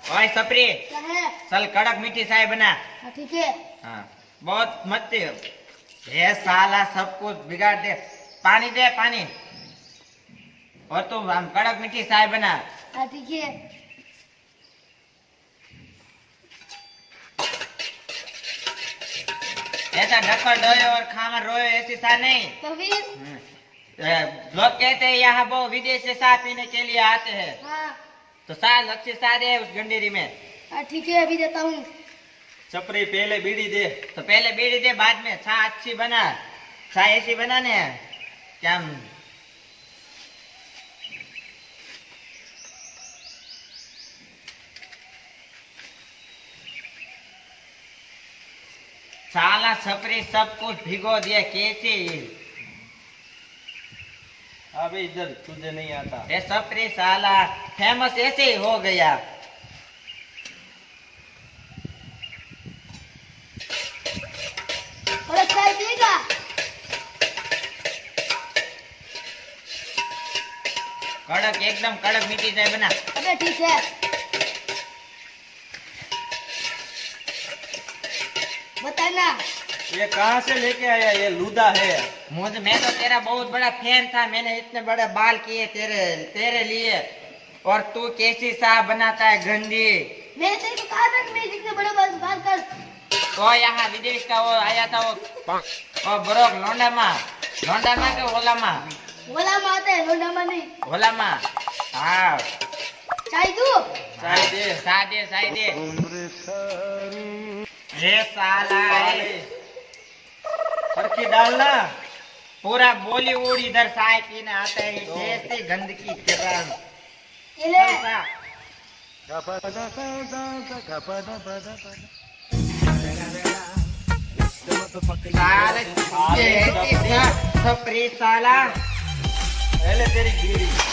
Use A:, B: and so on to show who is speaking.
A: ओए सपरी,
B: क्या है?
A: चल कड़क मीठी चाय बना।
B: हाँ ठीक है।
A: हाँ, बहुत मत ये साला सब कुछ बिगाड़ दे। पानी दे पानी। और तू हम कड़क मीठी चाय बना।
B: हाँ ठीक है।
A: ऐसा ढक्कन डोए और खामा रोए ऐसी सा नहीं।
B: तो फिर?
A: लोग कहते हैं यहाँ वो विदेश से चाय पीने के लिए आते हैं।
B: हाँ।
A: तो चाय अच्छी चाय दे उस गंडेरी में।
B: हाँ ठीक है, अभी देता हूँ।
C: छपरी पहले बीड़ी दे।
A: तो पहले बीड़ी दे, बाद में चाय अच्छी बना। चाय ऐसी बनाने क्या साला छपरी सब कुछ भिगो दिया कैसे।
C: अबे इधर तुझे नहीं आता।
A: ये छपरी साला फेमस ऐसे ही हो गया।
B: और चाय पिएगा?
A: कड़क एकदम कड़क मीठी चाय बना।
B: अबे ठीक है। बताना।
C: ये कहाँ से लेके आया? ये लूदा है।
A: मैं तो तेरा बहुत बड़ा फैन था। मैंने इतने बड़े बाल किए तेरे तेरे लिए। और तू कैसी चाय बनाता है गंदी।
B: मैंने तेरे को कहा था कि मैं जितने बड़े बात कर।
A: तो यहाँ विदेश का वो आया था वो बरोक लोंडा माँ के ओला माँ।
B: बोला माता है, लोंडा मा नहीं।
A: ओला माँ। हाँ
B: चाय दूँ?
C: चाय दे।
A: चाय दे। ये साला
C: फरकी डालना।
A: पूरा बॉलीवुड इधर चाय पीने आता है जैसे गंदगी किरण।
B: ये ले।
A: साले छपरी साला।
C: पहले तेरी बीड़ी।